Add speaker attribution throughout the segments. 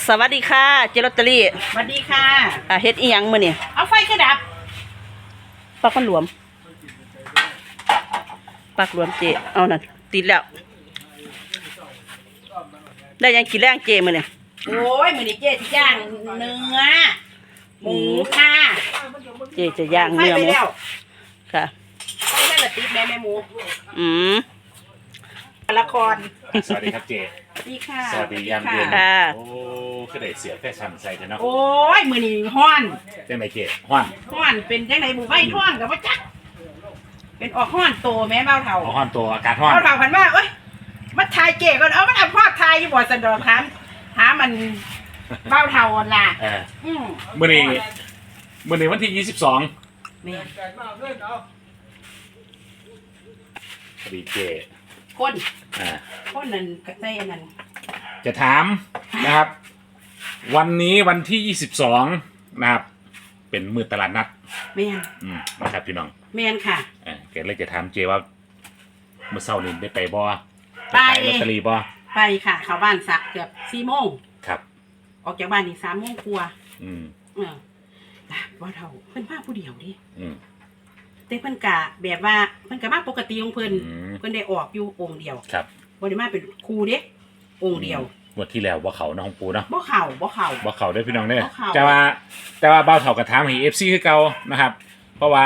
Speaker 1: สวัสดีค่ะเจลอตเตอรี่
Speaker 2: สวัสดีค่ะ
Speaker 1: เฮ็ดอีหยังมื้อนี่
Speaker 2: เอาไฟกระดับ
Speaker 1: ปักมันหลวมปักหลวมเจเอานั่นติดแล้วได้ยังกินแรงเจมื้อนี่
Speaker 2: โอ้ยมื้อนี้เจ๊สิย่างเนื้อหมูค่ะ
Speaker 1: เจจะย่างเนื้อหมูค่ะ
Speaker 2: ไฟได้ละติดแม่หมูละคร
Speaker 3: สวัสดีครับเจ
Speaker 2: สวัสดีค่ะ
Speaker 3: สวัสดียามเย็น
Speaker 1: ค่ะ
Speaker 3: โอ้ก็ได้เสียแฟชั่นใส่เถอะเนาะ
Speaker 2: โอ้ยมื้อนี้ฮ้อน
Speaker 3: จังไหนเจฮ้อน
Speaker 2: เป็นจังได๋หมู่ไฟฮ้อนก็บ่จักเป็นออกฮ้อนโตแม่เบาเฒ่า
Speaker 3: ฮ้อนตัวอากาศฮ้อน
Speaker 2: เบาเฒ่าพันว่าเอ้ยมาถ่ายเก๋ก่อนเอามันเอาภาพถ่ายอยู่บ่ซั่นดอกถามหามันเบาเฒ่าล่ะ
Speaker 3: มื้อนี้วันที่22
Speaker 2: แม่
Speaker 3: พอดีเจ
Speaker 2: คนนั้นก็ใส่อันนั้น
Speaker 3: จะถามนะครับ วันนี้วันที่22นะครับเป็นมื้อตลาดนัด
Speaker 2: แม่น
Speaker 3: นะครับพี่น้อง
Speaker 2: แม่นค่ะ
Speaker 3: แกเลยจะถามเจว่าเมื่อเช้านี้ได้ไปบ่
Speaker 2: ไป
Speaker 3: ลอตเตอรี่บ่
Speaker 2: ไปค่ะเข้าบ้านสักเกือบ4 โมง
Speaker 3: ครับ
Speaker 2: ออกจากบ้านอีก3 โมงกว่าว่าเท่าเพิ่นพาผู้เดียวดิแต่เพิ่นกะแบบว่าเพิ่นกะมาปกติของเพิ่นได้ออกอยู่องค์เดียว
Speaker 3: ครับ
Speaker 2: บ่ได้มาเป็นครูเด้องค์เดียว
Speaker 3: งวดที่แล้วบ่เข้าน้องปูเนาะ
Speaker 2: บ่เข้า
Speaker 3: ได้พี่น้องเด้แต่ว่าเบ้าเฒ่ากระถามให้ FC คือเก่านะครับเพราะว่า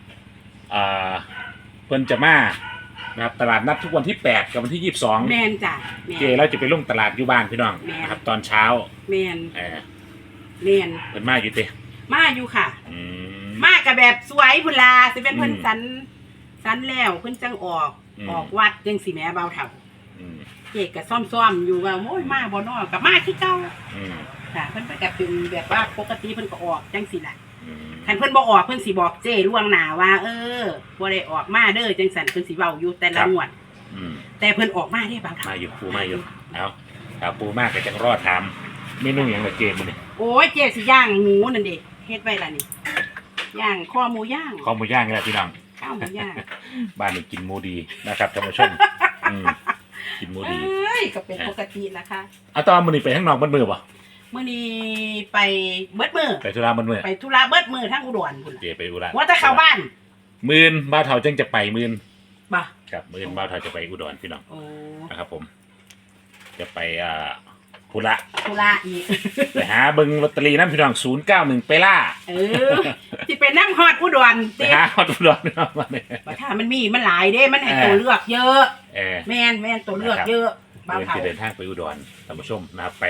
Speaker 3: เพิ่นจะมานะครับตลาดนัดทุกวันที่8กับวันที่22
Speaker 2: แม่นจ้ะ
Speaker 3: เจเราจะไปลงตลาดอยู่บ้านพี่น้องนะครับตอนเช้า
Speaker 2: แม่น
Speaker 3: เพิ่นมาอยู่ติ
Speaker 2: มาอยู่ค่ะมากับแบบสวยพุ่นล่ะสิเป็นเพิ่นสันแล้วเพิ่นจังออกวัดจังสิแม่เบาเฒ่าเจ๊ก็ซ่อมอยู่ว่าโอ้ยมาบ่น้อก็มาคือเก่าค่ะเพิ่นก็เป็นแบบว่าปกติเพิ่นก็ออกจังสิล่ะคันเพิ่นบ่ออกเพิ่นสิบอกเจ้ล่วงหน้าว่าบ่ได้ออกมาเด้อจังซั่นเพิ่นสิเว้าอยู่แต่ละงวดแต่เพิ่นออกมาได้บางครั้ง
Speaker 3: มาอยู่ปูมาอยู่เอาปูมากก็จังรอดถามเมนูหยังล่ะเจมื้อนี้
Speaker 2: โอ้ยเจ๊สิย่างหมูนั่นเด้เฮ็ดไว้ล่ะนี่ย่างคอหมูย่าง
Speaker 3: นี่แหละพี่น้อง
Speaker 2: ข้าวหมูย่าง
Speaker 3: บ้านนี้กินหมูดีนะครับท่านผู้ชมกินหมูดี
Speaker 2: ก็เป็นปกตินะคะ
Speaker 3: ตอนมื้อนี้ไปข้างนอกเบิดมื้อบ่
Speaker 2: มื้อนี้ไปเบิดมื้อ
Speaker 3: ไปธุระเบิดมื้อ
Speaker 2: ทั้งอุดรพุ่น
Speaker 3: เจไปอุดร
Speaker 2: ว่าจะเข้าบ้าน
Speaker 3: มื้อบ่าวเฒ่าจังจะไปมื้อ
Speaker 2: บ่
Speaker 3: ครับมื้อบ่าวเฒ่าจะไปอุดรพี่น้องนะครับผมจะไปธุระ
Speaker 2: อีก
Speaker 3: ไปหาเบิ่งลอตเตอรี่นำพี่น้อง091ไปล่า
Speaker 2: สิไปนำฮอดอุดร
Speaker 3: ไปหาฮอดอุดรเนาะ
Speaker 2: บ่ถ้ามันหลายเด้มันให้ตัวเลือกเยอะแม่นตัวเลือกเยอะ
Speaker 3: บ่าวเฒ่าเดินทางไปอุดรท่านผู้ชมนะครับไป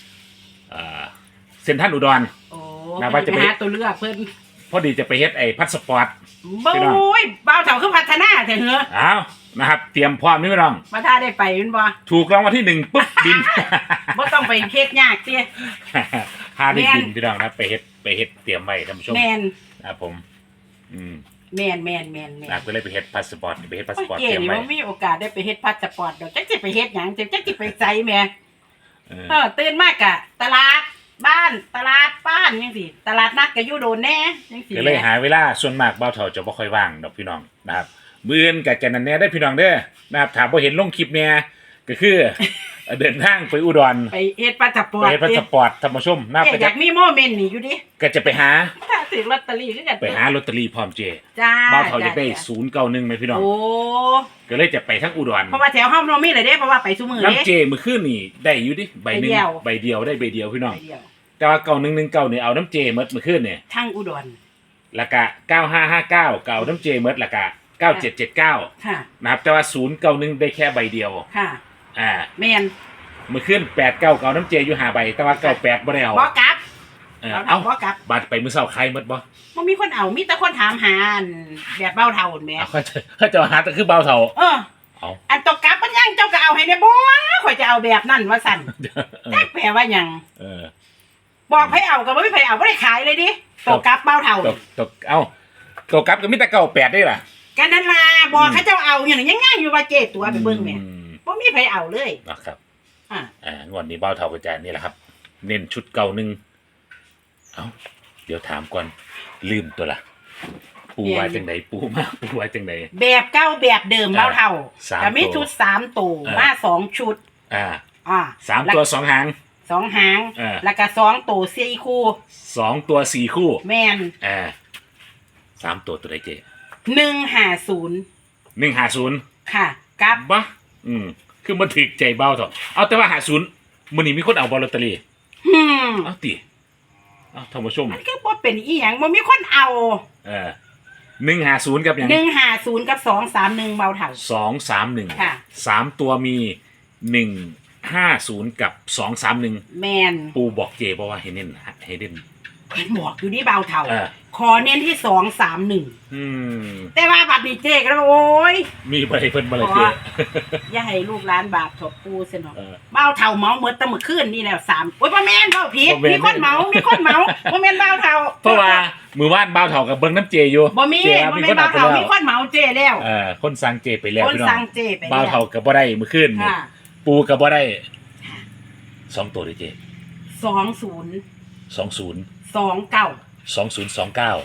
Speaker 3: เซ็นทรัลอุดร
Speaker 2: นะว่าจะไปหาตัวเลือกเพิ่น
Speaker 3: พอดีจะไปเฮ็ดไอ้พาสปอร์ต
Speaker 2: โอ้ยบ่าวเฒ่าคือพัฒนาแท้เหรอ
Speaker 3: อ้าวนะครับเตรียมพร้อมนี่พี่น้อง
Speaker 2: มาถ้าได้ไปแม่นบ่
Speaker 3: ถูกรางวัลที่1ปุ๊บบิน
Speaker 2: บ่ต้องไปเฮ็ดยากติ
Speaker 3: พาได้บินพี่น้องนะไปเฮ็ดเตรียมไว้ท่านผู้ชม
Speaker 2: แม่น
Speaker 3: ครับผม
Speaker 2: แม่น
Speaker 3: ก็เลยไปเฮ็ดพาสปอร์ตเตรียมไว้
Speaker 2: เก๋นี่บ่มีโอกาสได้ไปเฮ็ดพาสปอร์ตดอกจักสิไปเฮ็ดหยังจักสิไปไสแม่ตื่นมากะตลาดบ้านจังซี่ตลาดนัดก็อยู่โดนแน่จังซี่
Speaker 3: ก็เลยหาเวลาส่วนมากบ่าวเฒ่าจะบ่ค่อยว่างดอกพี่น้องนะครับมื้ออื่นก็จะนั่นแน่ได้พี่น้องเด้อนะครับถ้าบ่เห็นลงคลิปแน่ก็คือเดินทางไปอุดร
Speaker 2: ไปเฮ็ดพาสปอร์ต
Speaker 3: ท่านผู้ชมนะ
Speaker 2: อยากมีโมเมนต์นี่อยู่ดิ
Speaker 3: ก็จะไปหา
Speaker 2: ซื้อลอตเตอรี่คือกัน
Speaker 3: ไปหาลอตเตอรี่พร้อมเจ
Speaker 2: จ้า
Speaker 3: บ่าวเฒ่าอยากได้091มั้ยพี่น้อง
Speaker 2: โอ้
Speaker 3: ก็เลยจะไปทั้งอุดร
Speaker 2: เพราะว่าแถวเฮาบ่มีเลยเด้เพราะว่าไปซุมื้อเด้
Speaker 3: น้ำเจมื้อคืนนี่ได้อยู่ดิใบนึงใบเดียวได้ใบเดียวพี่น้องแต่ว่า9119นี่เอาน้ำเจหมดมื้อคืนนี่
Speaker 2: ทั้งอุดร
Speaker 3: แล้วก็9559ก็เอาน้ำเจหมดแล้วก็9779
Speaker 2: ค่ะ
Speaker 3: นะครับแต่ว่า091ได้แค่ใบเดียว
Speaker 2: ค่ะแม่น
Speaker 3: มื้อคืน89ก็เอาน้ำเจอยู่5ใบแต่ว่า98บ่ได้เอา
Speaker 2: บ่กลับ
Speaker 3: เอา
Speaker 2: บ่กลับ
Speaker 3: บัดไปมื้อเช้าใครหมดบ่
Speaker 2: มีคนเอามีแต่คนถามหาแบบเบาเฒ่าแม่
Speaker 3: เขาจะหาแต่คือเบาเฒ่า
Speaker 2: อันตกกลับมันยังเจ้าก็เอาให้ได้บ่ข่อยจะเอาแบบนั้นว่าสั่นจักแปลว่าหยังบอกให้เอาก็บ่มีไผเอาบ่ได้ขายเลยดิตกกลับเบาเฒ่า
Speaker 3: ตกกลับก็มีแต่98ได้ล่ะ
Speaker 2: กันนั่นล่ะบอกเขาเจ้าเอาอย่างยังอยู่ว่าเจ๊ตัวไปเบิ่งแม่บ่มีไผเอาเลย
Speaker 3: นะครับงวดนี้เบาเฒ่าก็จะนี่แหละครับเน้นชุดเก่านึงเดี๋ยวถามก่อนลืมตัวละปูไว้จังไดปูไว้จังได
Speaker 2: แบบเก่าแบบเดิมเบาเฒ่าก็มีชุด3ตัวมา2ชุด
Speaker 3: 3ตัว2หาง
Speaker 2: 2 หาง
Speaker 3: เออ
Speaker 2: แล้วก็2ตัว4คู่
Speaker 3: 2 ตัว 4 คู่
Speaker 2: แม่น
Speaker 3: 3 ตัวตัวใดเจ๊
Speaker 2: 150
Speaker 3: 150
Speaker 2: ค่ะกับ
Speaker 3: บ้าคือมันถึกใจเบาเถอะเอาแต่ว่า50มื้อนี้มีคนเอาบอลลอตเตอรี่ เอาติเอาท่านผู้ชม
Speaker 2: มันคือบ่เป็นอีหยังบ่มีคนเอา
Speaker 3: 150กับหยัง
Speaker 2: 150กับ231เบาเท่า
Speaker 3: 231
Speaker 2: ค่ะ
Speaker 3: 3 ตัวมี150กับ231
Speaker 2: แม่น
Speaker 3: ปูบอกเจบอกว่าให้เน้นให้เน้น
Speaker 2: เพิ่นบอกอยู่นี่เบาเท่า
Speaker 3: เออ
Speaker 2: ขอเน้นที่231
Speaker 3: อืม
Speaker 2: แต่ว่าบัดนี้เจ๊ก็แล้วโอ้ย
Speaker 3: มีบ่ได้เพิ่นบ่ล่ะเจ
Speaker 2: อย่าให้ลูกหลานบาปถบปูซะเนาะ
Speaker 3: เออ
Speaker 2: เบ้าเท่าเมาเมื่อตะมื้อคืนนี่แล้ว3โอ้ยบ่แม่นเบ้าผิด
Speaker 3: บ่แม่น
Speaker 2: มีคนเมาบ่แม่นเบ้าเท่า
Speaker 3: เพราะว่ามือว่านเบาเถากับเบิ้งน้ำเจอยู่
Speaker 2: บ่มี
Speaker 3: เจ
Speaker 2: บ่
Speaker 3: มี
Speaker 2: แม่
Speaker 3: คน
Speaker 2: น
Speaker 3: เอา
Speaker 2: เบ้า
Speaker 3: ไป
Speaker 2: เท่า
Speaker 3: แล้ว
Speaker 2: มีคนเมาเจ๊แล้ว
Speaker 3: คนสั่งเจไปแล้ว
Speaker 2: คน
Speaker 3: พี่น้อง
Speaker 2: สั่งเจไปแล้ว
Speaker 3: เบาเถากับบ่ได้มือขึ้น
Speaker 2: ค่ะ
Speaker 3: ปูกับบ่ได้2 ตัวเลยเจ
Speaker 2: 20
Speaker 3: 20
Speaker 2: 29
Speaker 3: 2029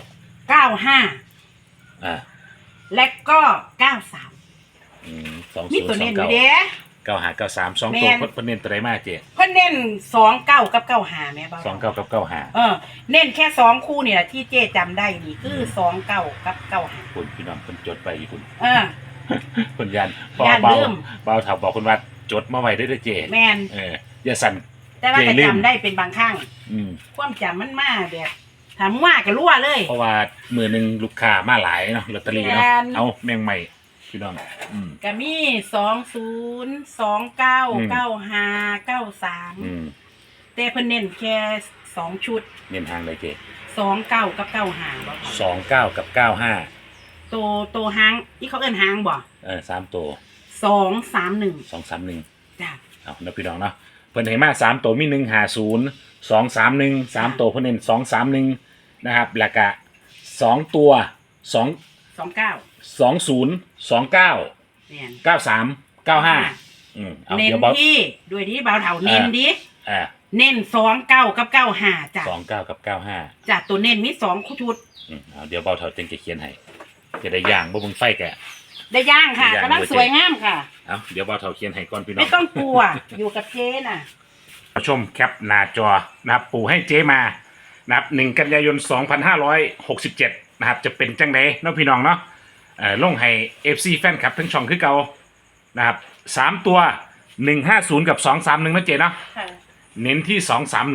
Speaker 2: 95 และก็93
Speaker 3: 2029
Speaker 2: มีตัวเน้นอยู่เด้
Speaker 3: 9593 2
Speaker 2: แม่
Speaker 3: ตัวน เพิ่นเน้นตัวใดมาเจ
Speaker 2: เพิ่นเน้น29กับ95แม่เบ้า
Speaker 3: 29กับ95
Speaker 2: เน้นแค่2คู่นี่แหละที่เจ๊จำได้นี่คือ29กับ95
Speaker 3: คุณพี่น้องเพิ่นจดไปอยู่คุณ
Speaker 2: เออ
Speaker 3: เพิ่นยันพอ
Speaker 2: ย้าน
Speaker 3: เบา
Speaker 2: ลืม
Speaker 3: เบาเถาบอกคุณว่าจดมาไว้ได้อเด้อเจ
Speaker 2: แม่น
Speaker 3: อย่าสั่น
Speaker 2: แต่ว่า
Speaker 3: เจ๊
Speaker 2: ก็
Speaker 3: ลืม
Speaker 2: จำได้เป็นบางครั้ง
Speaker 3: อืม
Speaker 2: ความจำมันมาแบบถามว่าก็รั่วเลย
Speaker 3: เพราะว่ามือหนึงลูกค้ามาหลายเนาะลอตเตอรี่เนาะ
Speaker 2: แม่น
Speaker 3: เอาแมงใหม่พี่น้อง
Speaker 2: ก็มี20 29 95 93แต่เพิ่นเน้นแค่2ชุด
Speaker 3: เน้นทางเลยเจ
Speaker 2: 29กับ95บ่ค่ะ
Speaker 3: 29กับ95
Speaker 2: ตัวหางที่เขาเอิ้นหางบ่
Speaker 3: 3 ตัว
Speaker 2: 231
Speaker 3: 231
Speaker 2: จ้ะ
Speaker 3: เอาเนาะพี่น้องเนาะเพิ่นให้มา3ตัวมี150 231 3ตัวเพิ่นเน้น231นะครับแล้วก็2ตัว2
Speaker 2: 29
Speaker 3: 20 29
Speaker 2: แม่น
Speaker 3: 93 95เอา
Speaker 2: เน้น
Speaker 3: เดี๋ยวบอก
Speaker 2: ที่ด้วยที่เบาเฒ่าเน้นดิ เน้น29กับ95จ้ะ
Speaker 3: 29กับ95
Speaker 2: จ้ะตัวเน้นมี2ชุด
Speaker 3: เอาเดี๋ยวเบาเถาจึงจะเขียนให้จะได้ย่างบ่เบิ่งไฟแก
Speaker 2: ได้ย่างค่ะ
Speaker 3: ได้ย่าง
Speaker 2: กำลังสวยงามค่ะ
Speaker 3: เอาเดี๋ยวเบาเถาเขียนให้ก่อนพี่น้อง
Speaker 2: ไม่ต้องกลัว อยู่กับเจ๊น่ะ
Speaker 3: ผู้ชมแคปหน้าจอนะครับปู่ให้เจมานะครับ1 กันยายน 2567นะครับจะเป็นจังไดเนาะพี่น้องเนาะลงให้ FC แฟนคลับทั้งช่องคือเก่านะครับ3ตัว150กับ231นะเจเนาะ
Speaker 2: ค่ะ
Speaker 3: เน้นที่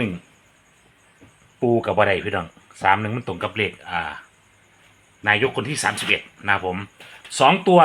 Speaker 3: 231ปูกับบ่ได้พี่น้อง31มันตรงกับเลขนายกคนที่31นะครับผม2ตัว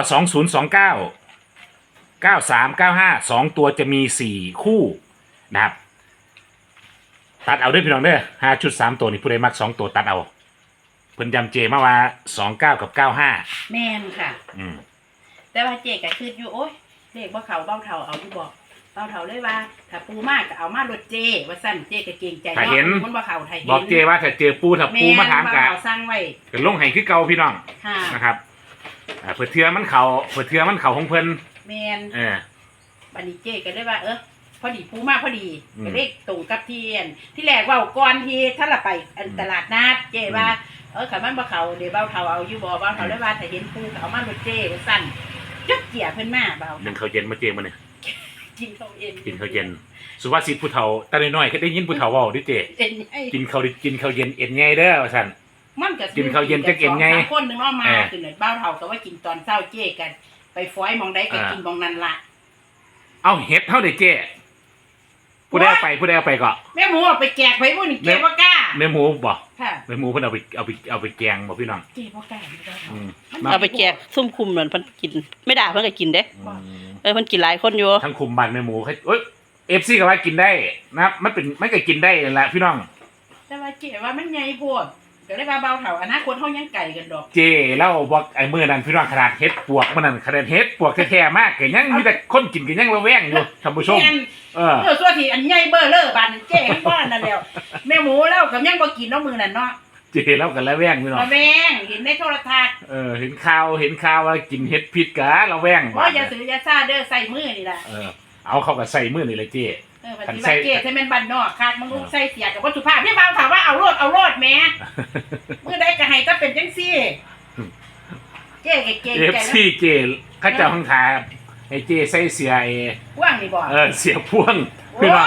Speaker 3: 2029 9395 2ตัวจะมี4คู่นะครับตัดเอาด้วยพี่น้องเด้อ5ชุด3ตัวนี่ผู้ใดมัก2ตัวตัดเอาเพิ่นยำเจมาว่า29กับ95
Speaker 2: แม่นค่ะ
Speaker 3: ม
Speaker 2: แต่ว่าเจ๊ก็คิดอยู่โอ๊ยเลขบ่เขาเบ้าเฒ่าเอาอยู่บ่เบ้าเฒ่าเลยว่าถ้าปูมากก็เอามารถเจ๊ว่าซั่นเจ๊ก็เกรงใจ
Speaker 3: ถ้าเห็น
Speaker 2: มันบ่เข้าถ้าเห็น
Speaker 3: บอกเจว่าถ้าเจอปูถ้าปูมาถาม
Speaker 2: แน
Speaker 3: กะ
Speaker 2: เบ้เฒ่สั่งไว้
Speaker 3: ก็ลงให้คือเก่าพี่น้อง
Speaker 2: ค่ะ
Speaker 3: นะครับเผื่อเทือมันเขาของเพิ่น
Speaker 2: แม่น
Speaker 3: เออ
Speaker 2: บัดนี้เจ๊ก็เลยว่าพอดีปูมากพอดี
Speaker 3: อืม
Speaker 2: ก็เลขตรงกับที่ที่แรกเว้าก่อนที่ถ้าเราไปตลาดนัดเจ๊ว่าคันมันบ่เข้าเดี๋ยวเบ้าเฒ่าเอาอยู่บ่เบ้าเฒ่าเลยว่าถ้าเห็นปูก็เอามารถเจ๊ว่าซั่นจักเจียเพิ่นมาเบ้า
Speaker 3: หนึ่งเขาวเย็นมาเจมาเนี่ย
Speaker 2: กินข้าวเย็น
Speaker 3: กินข้าวเย็นสุภาษิตผู้เฒ่าตาน้อยๆก็ได้ยินผู้เฒ่าเว้าดิเจ
Speaker 2: เย็นไอ้
Speaker 3: กินข้าวเย็นเอ็นไงเด้อว่าซั่น
Speaker 2: มันก็
Speaker 3: กินข้าวเย็นจักเอ็นไง
Speaker 2: 2-3คนนึงเนาะมา
Speaker 3: เออ
Speaker 2: คือเบ้าเฒ่าก็ว่ากินตอนเช้าเจ๊กัน ไปฟ้อยหมองใดก็กินหมองนั้นล่ะ
Speaker 3: เอาเฮ็ดเท่าเด้เจผู้ใดเอาไปก็
Speaker 2: แม่หมูเอาไปแจกไปพวกนี้เจ๊บ่กล้า
Speaker 3: แม่หมูบ่
Speaker 2: ค่ะ
Speaker 3: แม่หมูเพิ่นเอาไปแกงบ่พี่น้อง
Speaker 2: เจ๊บ่กล้าอยู่แล้ว
Speaker 3: อืม
Speaker 1: เอาไปแจกซุ่มคุมเหมือนเพิ่นกิน ไม่ด่าเพิ่นก็กินเด้
Speaker 3: อืม
Speaker 1: เพิ่นกินหลายคนอยู่
Speaker 3: ทั้งคุมบ้านแม่หมูเอ้ย FC ก็ว่ากินได้นะครับมันก็กินได้นั่นแหละพี่น้อง
Speaker 2: แต่ว่าเจ๊ว่ามันใหญ่โพดก็เลยว่าเบาเฒ่าอนาคตเฮายังไกลกันดอก
Speaker 3: เจแล้วบอกไอ้มื้อนั้นพี่น้องขนาดเฮ็ดปวกมื้อนั้นขนาดเฮ็ดปวกแท้ๆมากก็ยังมีแต่คนกินก็ยังระแวงอยู่ท่านผู้ชม
Speaker 2: แม่น ส่วนที่อันใหญ่เบ้อเลอบานเจ๊ทั้งบ้านนั่นแล้วแม่หมูแล้วก็ยังบ่กินเนาะมื้อนั้นเนาะ
Speaker 3: เจแล้วก็ระแวงพี่น้อง
Speaker 2: มาแม่งเห็นในโทรทัศน์
Speaker 3: เห็นข่าวว่ากินเฮ็ดผิดกะระแวง
Speaker 2: ว่าอย่าซื้ออย่าซ่าเด้อใส่มือนี่ล่ะ
Speaker 3: เอาเข้ากับใส่มื้อนี่เลยเจ
Speaker 2: ปฏิบัติเจ๊ถ้าแม่นบ้านนอกคาดมันลูกใส่เสียกับวัตถุภาพพี่เบาถามว่าเอาโลดแม่มื้อใดก็ให้ถ้าเป็นจังซี่เจ๊ก็เก่งใจ
Speaker 3: FC เจเขาเจ้าข้างทาให้เจใส่เสีย
Speaker 2: ว่างนี่บ่
Speaker 3: เสียพ่วงพี่น้อง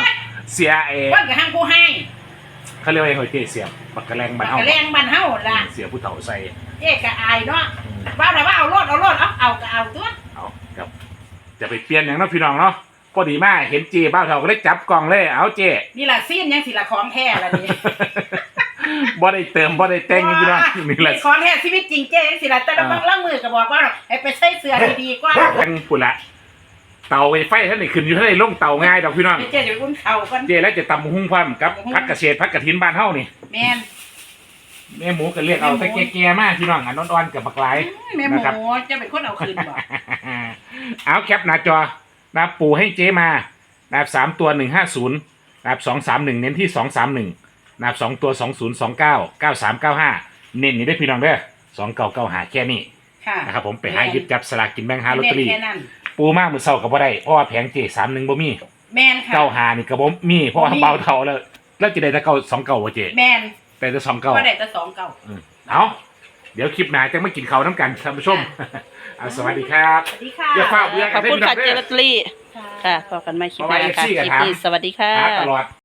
Speaker 3: เสียเอ
Speaker 2: คนกับห้างผู้ให้
Speaker 3: เขาเรียกว่าไงเจ๊เสียปากกระแรงบ้าน
Speaker 2: ปาก
Speaker 3: เฮาก
Speaker 2: ระแรงบ้านเฮาล่ะ
Speaker 3: เสียผู้เฒ่าใส่
Speaker 2: เจ๊ก็อายเนาะว่าแต่ว่าเอารถเอาก็เอาตัว
Speaker 3: เอาครับจะไปเปลี่ยนอย่างเนาะพี่น้องเนาะพอดีมากเห็นเจ๊บ้าวเฒ่าก็เลยจับกล่องเลยเอาเจ๊
Speaker 2: นี่ล่ะซีนยังสิละของแท้ละนี่
Speaker 3: บ่ได้เติมบ่ได้แต่งพี่น้องนี่แหละ
Speaker 2: ของแท้ชีวิตจริงเจ๊สิละแต่ละบางล่างมือก็บอกว่าให้ไปใส่เสื้อดีๆกว่า
Speaker 3: กันพุ่นละเตาไฟท่านนี่ขึ้นอยู่ท่านนี่ลงเตาง่ายดอกพี่น้อง
Speaker 2: เจ๊จะไปอุ่นเข่ากัน
Speaker 3: เจ๊แล้วจะตำหุ้งพร้อมกับพักเกษตรพักกระถินบ้านเฮานี่
Speaker 2: แม่น
Speaker 3: แม่หมูก็เรียกเอาแต่แก่ๆมากพี่น้องอันอ่อนๆกับบักหลาย
Speaker 2: แม่หมูจะเป็นคนเอาคืนบ่
Speaker 3: เอาแคปหน้าจอนะครับปูให้เจ๊มานะครับ3ตัว150นะครับ231เน้นที่231นะครับ2ตัว2029 9395เน้นนี่ได้พี่น้องเด้อ2995แค่นี้
Speaker 2: ค่ะ
Speaker 3: นะครับผมไปหาหยิบจับสลากกินแบ่งหาลอตเตอรี่
Speaker 2: แค่นั้น
Speaker 3: ปูมากมือเศร้ากับบ่ได้เพราะว่าแผงเจ๊31บ่มี
Speaker 2: แม่นค่ะ
Speaker 3: 95นี่ก็บ่มีเพราะว่าเบาเท่าแล้วจะได้แต่29บ่เจ๊
Speaker 2: แม่น
Speaker 3: แต่แต่
Speaker 2: ก็ได้
Speaker 3: 29
Speaker 2: แต่2เก่า
Speaker 3: เอาเดี๋ยวคลิปหน้าจะมากินข้าวน้ำกันท่านผู้ชมเอาสวัสดีครับ
Speaker 2: สวัสดีค่ะ
Speaker 3: อย่าฟ้าเบื่อ
Speaker 1: ขอบคุณค่ะเจลอตเตอรี่ค่ะพบกันใหม่คลิปหน้าค่ะคลิปนี้สวัสดีค่ะ
Speaker 3: หาตลอด